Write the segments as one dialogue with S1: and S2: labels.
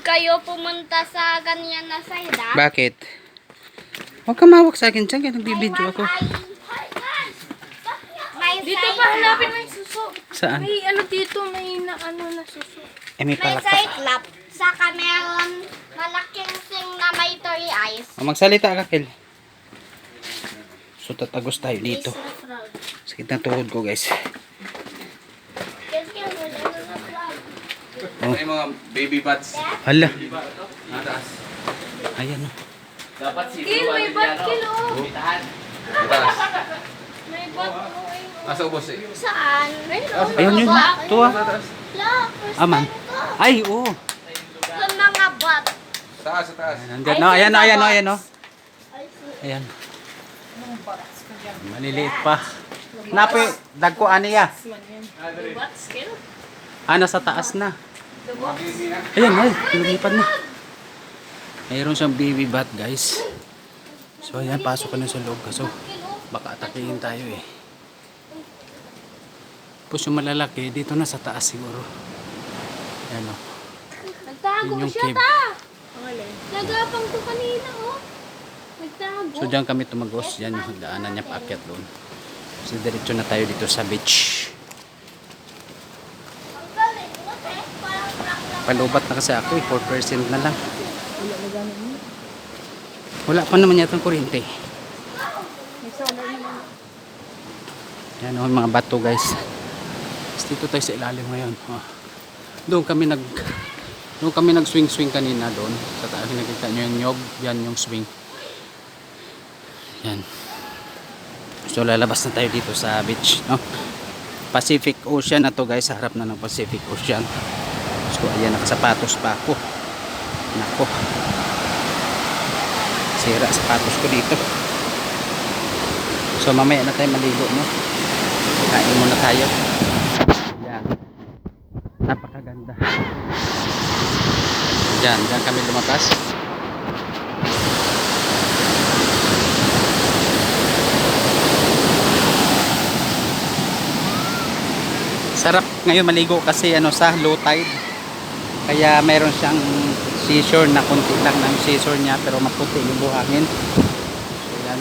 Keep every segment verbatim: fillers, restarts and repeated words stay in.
S1: kayo pumunta sa ganyan na side, ah.
S2: Bakit? Huwag ka mawak sa akin dyan, kaya nagbibideo ako.
S1: May
S3: Dito
S1: side
S3: pa hanapin mo yung suso.
S2: Saan?
S3: May ano dito, may na ano na suso.
S2: Eh, may
S1: May
S2: palakpak.
S1: side lap. Saka meron malaking sing na may three eyes.
S2: O, magsalita ka, Kel. So, tatagos tayo dito. Sakit na tuhod ko, guys. Oh.
S4: May mga baby bats.
S2: Hala.
S4: Nataas.
S2: Ayan, oh.
S4: Dapat si
S3: Kil, may bat kil, oh.
S4: Bitahan. Nataas.
S3: May bat, oh. ayun.
S4: Nasa ubos eh.
S1: Saan?
S2: Ayun yun. Ito, ah.
S1: Look, first
S2: Aman.
S1: time ko.
S2: Ay, oo.
S1: Sa mga bat.
S4: Sa taas, sa taas.
S2: Nandyan, no? Ayan, no? Ayan, no? Ayan, no? Ayan. Maliliit pa. Napi, dagko aniya.
S3: Bats kil.
S2: Ah, nasa taas na. Ayan, ay, lumipad na. Mayroon siyang baby bat, guys. So, ayan, pasok ka na sa loob. Kaso, baka atakihin tayo eh. Tapos yung malalaki, dito na sa taas siguro. Ayan, o.
S1: Nagtago
S2: Yun yung
S1: siya,
S2: cave.
S1: ta. Nagapang ko kanina, oh. Nagtago.
S2: So, diyan kami tumagos. Yan yung daanan niya paakyat doon. So, diretso na tayo dito sa beach.
S1: Ang galing, look eh. Parang rock-rock.
S2: Palubat na kasi ako eh. four percent na lang. Wala pa naman yata ang kuryente. Yan o, mga bato guys. Tapos dito tayo sa ilalim ngayon. Oh. Doon kami nag doon kami nag swing swing kanina doon. Sa taas nakita nyo yung nyog. Yan yung swing. Yan. So lalabas na tayo dito sa beach. No? Pacific Ocean na to guys. Sa harap na ng Pacific Ocean. So ayan, nakasapatos pa ako. Nako. Sira sapatos ko dito. So mamaya na tayo maligo, no? Kain muna tayo. Yan. Napakaganda. Diyan, diyan kami lumabas. Sarap ngayon maligo kasi ano sa low tide. Kaya mayroon siyang seashore na konti lang ng seashore niya pero maputi yung buhangin. So yan.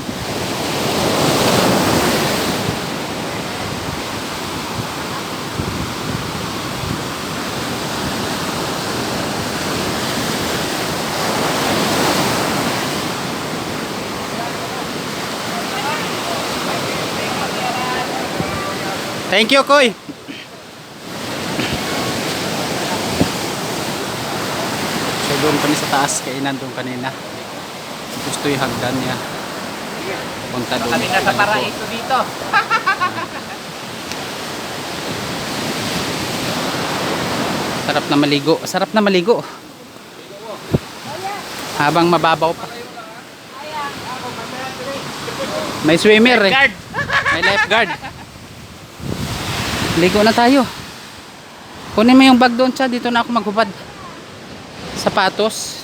S2: Thank you, Koy. So doon kami sa taas, kainan doon kanina. Gusto yung hagdan niya. Punta doon.
S4: Kami nasa paraiso dito.
S2: Sarap na maligo. Sarap na maligo. Habang mababaw pa. May swimmer eh. May lifeguard. Ligo na tayo. Kunin mo yung bag doon siya. Dito na ako maghubad. Sapatos.